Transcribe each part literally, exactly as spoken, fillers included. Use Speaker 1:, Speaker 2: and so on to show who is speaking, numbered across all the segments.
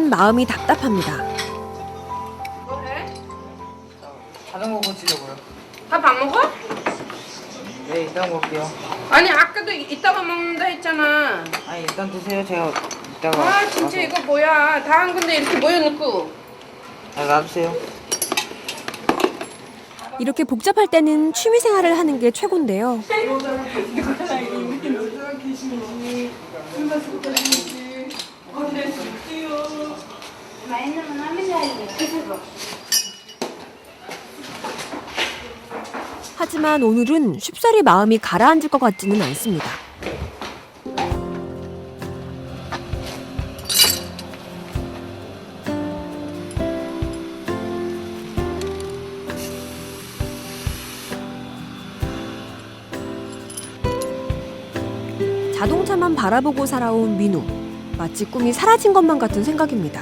Speaker 1: 민우는 마음이 답답합니다.
Speaker 2: 뭐해?
Speaker 3: 자전거 고치려고요.
Speaker 2: 밥 안 먹어?
Speaker 3: 네, 이따 먹을게요.
Speaker 2: 아니 아까도 이따가 먹는다 했잖아.
Speaker 3: 아니, 일단 드세요. 제가 이따가.
Speaker 2: 아 진짜 이거 뭐야? 다 한 건데 이렇게 모여놓고.
Speaker 3: 아, 놔두세요.
Speaker 1: 이렇게 복잡할 때는 취미 생활을 하는 게 최고인데요. 하지만 오늘은 쉽사리 마음이 가라앉을 것 같지는 않습니다. 자동차만 바라보고 살아온 민우. 마치 꿈이 사라진 것만 같은 생각입니다.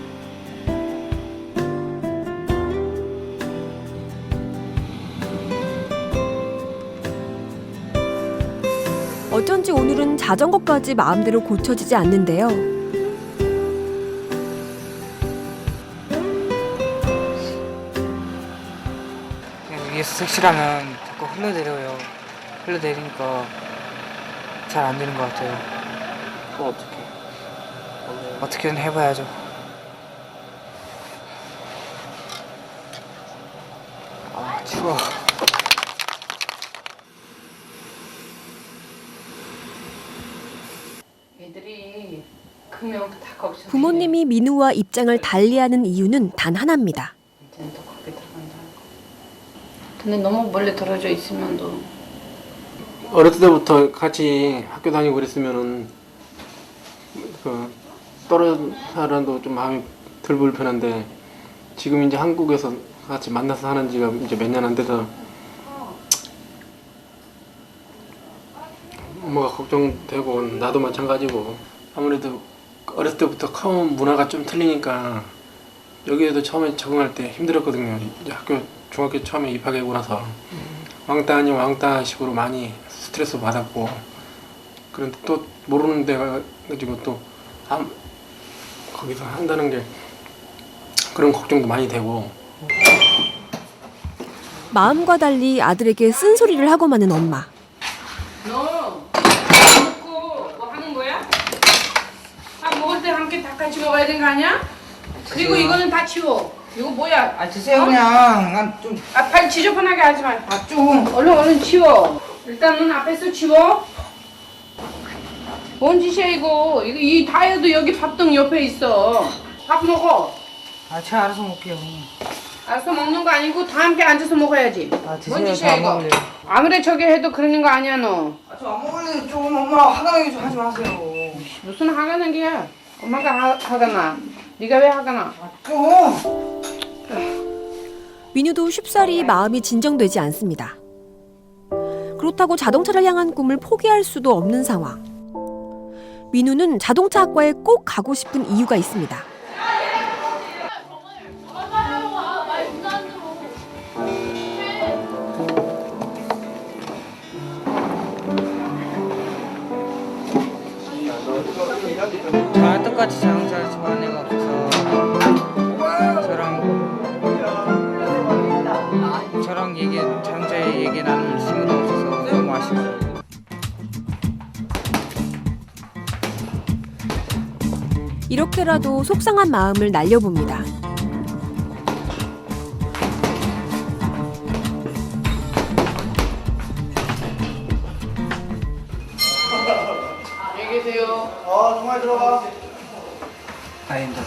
Speaker 1: 어쩐지 오늘은 자전거까지 마음대로 고쳐지지 않는데요.
Speaker 3: 그냥 위에서 색칠하면 자꾸 흘러내려요. 흘러내리니까 잘 안 되는 것 같아요.
Speaker 4: 그럼 어떻게?
Speaker 3: 어떻게든 해봐야죠. 아, 추워.
Speaker 2: 애들이 크면 다 겁서.
Speaker 1: 부모님이 민우와 입장을 달리하는 이유는 단 하나입니다.
Speaker 2: 이제는 또 거기 들어간다. 근데 너무 멀리 떨어져 있으면 또.
Speaker 4: 어렸을 때부터 같이 학교 다니고 그랬으면은 그 떨어진 사람도 좀 마음이 덜 불편한데 지금 이제 한국에서 같이 만나서 사는 지가 이제 몇 년 안 돼서 뭐가 걱정되고 나도 마찬가지고 아무래도 어렸을 때부터 커온 문화가 좀 틀리니까 여기에도 처음에 적응할 때 힘들었거든요. 이제 학교 중학교 처음에 입학하고 나서 왕따 아닌 왕따 식으로 많이 스트레스 받았고 그런데 또 모르는 데가 가지고 또 아, 거기서 한다는 게 그런 걱정도 많이 되고
Speaker 1: 마음과 달리 아들에게 쓴소리를 하고 마는 엄마.
Speaker 2: 너 먹고 뭐 하는 거야? 밥 먹을 때 함께 다 같이 먹어야 되는 거 아니야? 그리고 이거는 다 치워. 이거 뭐야?
Speaker 3: 아, 드세요,
Speaker 2: 어?
Speaker 3: 그냥. 난 좀.
Speaker 2: 아, 발 지저분하게 하지 마.
Speaker 3: 아, 좀.
Speaker 2: 얼른 얼른 치워. 일단 넌 앞에서 치워. 뭔 짓이야 이거? 이거 이 다이어도 여기 밥등 옆에 있어. 밥 먹어.
Speaker 3: 아, 제가 알아서 먹을게요.
Speaker 2: 알아서 먹는 거 아니고 다 함께 앉아서 먹어야지.
Speaker 3: 아, 드세요.
Speaker 2: 뭔 짓이야
Speaker 3: 저 안
Speaker 2: 이거?
Speaker 3: 먹을래요.
Speaker 2: 아무리 저기 해도 그러는 거 아니야 너.
Speaker 3: 아, 저 안 먹을래요. 좀 엄마 화가 나게 좀 하지 마세요.
Speaker 2: 무슨 화가 난 게야? 엄마가 화, 화가 나. 네가 왜 화가 나?
Speaker 3: 아, 좀.
Speaker 1: 민우도 쉽사리 마음이 진정되지 않습니다. 그렇다고 자동차를 향한 꿈을 포기할 수도 없는 상황. 민우는 자동차 학과에 꼭 가고 싶은 이유가 있습니다.
Speaker 3: 저랑 똑같이 자동차를 좋아하는 애가 없어서 저랑 저랑 얘기 자동차에 얘기 나눌 친구도 없어서 너무 아쉬워요.
Speaker 1: 이렇게라도 속상한 마음을 날려봅니다.
Speaker 2: 안녕히 계세요.
Speaker 3: 어, 정말 들어가. 다행이다.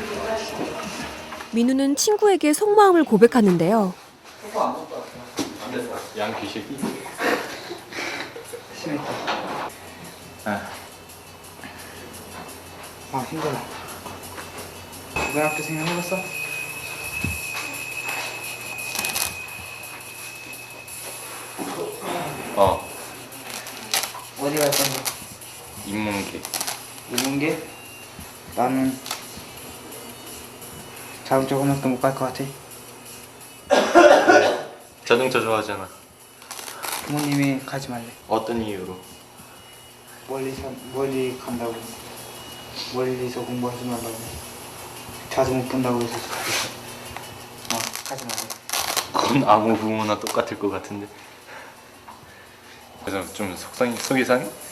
Speaker 1: 민우는 친구에게 속마음을 고백하는데요.
Speaker 5: 양 귀식이?
Speaker 3: 심했다.
Speaker 5: 아.
Speaker 3: 아, 힘들어. 이번 학교 생각해봤어?
Speaker 5: 어,
Speaker 3: 어디 갈 건데?
Speaker 5: 인문계.
Speaker 3: 인문계? 나는 자동차 고등학교 못 갈 것 같아.
Speaker 5: 자동차 좋아하잖아.
Speaker 3: 부모님이 가지 말래.
Speaker 5: 어떤 이유로?
Speaker 3: 멀리 산 멀리 간다고. 멀리서 공부하지 말라고. 자주 못 본다고 해서 가겠어. 어, 가지 마.
Speaker 5: 그건 아무 부모나 똑같을 것 같은데. 그래서 좀 속상해, 속이 상해?